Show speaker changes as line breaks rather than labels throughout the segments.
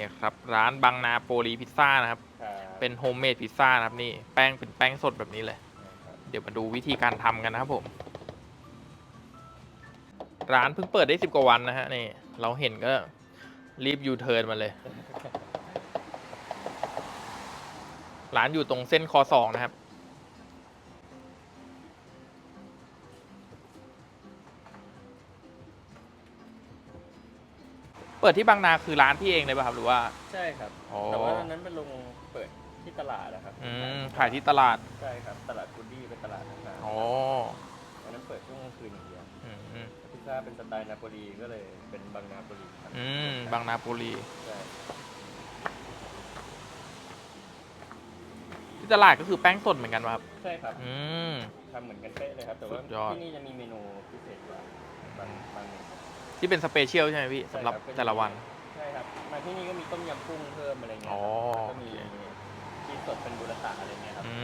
ครับร้านบางนาโปลีพิซซ่านะครับ เป็นโฮมเมดพิซซ่านะครับนี่แป้งเป็นแป้งสดแบบนี้เลย เดี๋ยวมาดูวิธีการทำกันนะครับผม ร้านเพิ่งเปิดได้10 กว่าวันนะฮะนี่เราเห็นก็รีบยูเทิร์นมาเลย ร้านอยู่ตรงเส้นคอ2นะครับเปิดที่บางนาคือร้านพี่เองเลยป่ะครับหรือว่า
ใช่ครับ
อ๋อ
แต่ว่าตอนนั้นเป็นลงเปิดที่ตลาดนะครับ
ขายที่ตลาด
ใช่ครับตลาดกูดดี้เป็นตลาดต่างๆ
อ๋อ
วันนั้นเปิดช่วงกลางคืนอย่างเดียว
อืม
พิซซ่าเป็นสไตล์นาโปลีก็เลยเป็นบางนาโปลีครับ
บางนาโปลี
ใช่
ที่ตลาดก็คือแป้งสดเหมือนกันป่ะครับ
ใช่ครับ
ม
ทำเหมือนกันเป๊ะเลยครับแต่ว่า
สุดยอด
ที่นี่จะมีเมนูพิเศษกว่าบางเมนู
ที่เป็นสเปเชียลใช่ไหมพี่สำหรับแต่ละวัน
ใช่ครับมาที่นี่ก็มีต้มยำกุ้งเพิ่มอะไรเงี้ยก็มีชีสสดเป็นบูราตะอะไรเงี้ยครับ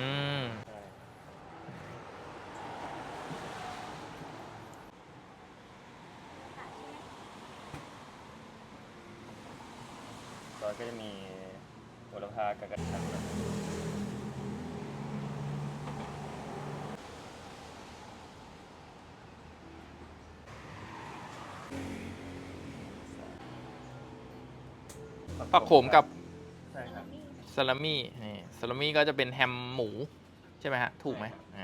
ซอสก็จะมีโหระพากับกระเทียม
ผักโขมกับ
ใช่ครับ
ซาลามี่นี่ซาลามี่ก็จะเป็นแฮมหมูใช่ไหมฮะถูกไหม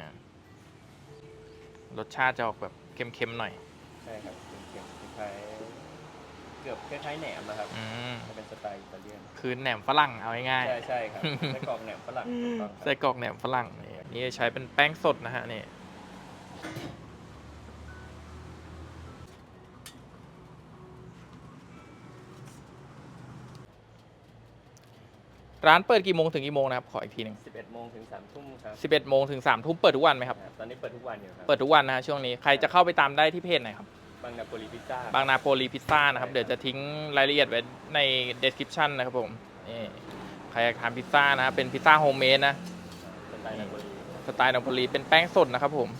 รสชาติจะออกแบบเค็มๆหน่อย
ใช่ครับเค็มๆคล้ายๆเกือบคล้ายๆแหนมนะครับจะเป็นสไตล์อิตาเลียน
คือแหนมฝรั่งเอาง่าย
ๆใช่ครับไส้กรอกแหนมฝรั่ง
ไส้กรอกแหนมฝรั่งนี่ใช้เป็นแป้งสดนะฮะนี่ร้านเปิดกี่โมงถึงกี่โมงนะครับขออีกทีหนึ่ง
11 โมงถึง 3 ทุ่มครับ
11 โมงถึง 3 ทุ่มเปิดทุกวันไหมครับ
ตอนนี้เปิดทุกวันอยู่ครับ
เปิดทุกวันนะฮะช่วงนี้ใครจะเข้าไปตามได้ที่เพจไหนครับ
บางนาโปลีพิซซ่า
บางนาโปลีพิซซ่านะครับเดี๋ยวจะทิ้งรายละเอียดไว้ใน description นะครับผมนี่ใครอยากทานพิซซ่านะเป็นพิซซ่าโฮมเมดนะ
สไตล์นาโปลี
เป็นแป้งสดนะครับผม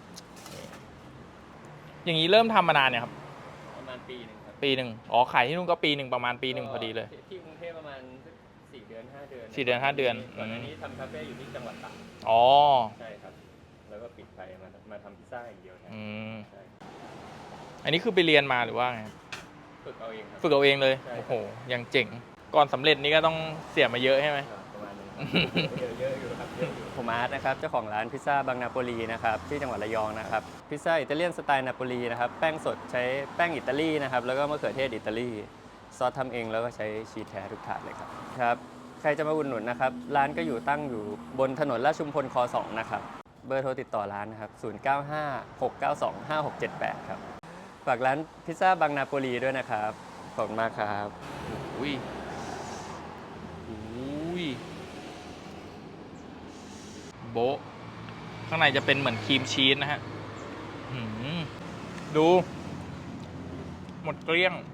อย่างนี้เริ่มทำมานานเนี่ยครับ
ประมาณปีหนึ่งครับ
ปีหนึ่งอ๋อขายที่นู่นก็ปีหนึ่งประมาณปีหนึ่งพอดีเลย
ที่กรุงเทพประมาณ4 เดือน 5 เดือน
4 เดือน 5 เดือน
ก่อนหน้านี้ทำคาเฟ่อยู่ที่จังหวัดตาก
อ๋อ
ใช่ครับแล้วก็ปิดไปมาทำพิซซ่าอย่างเดียวแทนใช่
อันนี้คือไปเรียนมาหรือว่าไง
ฝึกเอาเองครับ
ฝึกเอาเองเลยโอ้โหยังเจ๋งก่อนสำเร็จนี่ก็ต้องเสียมาเยอะใช่ไหม
ประมาณนึงเยอะอยู่ครับเยอะอยู่ผมอาร์ตนะครับเจ้าของร้านพิซซ่าบางนาโปลีนะครับที่จังหวัดระยองนะครับพิซซ่าอิตาเลียนสไตล์นาโปลีนะครับแป้งสดใช้แป้งอิตาลีนะครับแล้วก็มะเขือเทศอิตาลีซอสทำเองแล้วก็ใช้ชีสแท้ทุกถาดเลยครับใครจะมาอุดหนุนนะครับร้านก็อยู่ตั้งอยู่บนถนนราชชุมพลค 2นะครับเบอร์โทรติดต่อร้านนะครับ0956925678ครับฝากร้านพิซซ่าบางนาโปลีด้วยนะครับขอบคุณมากครับ
อุ้ยโบะข้างในจะเป็นเหมือนครีมชีสนะฮะดูหมดเกลี้ยง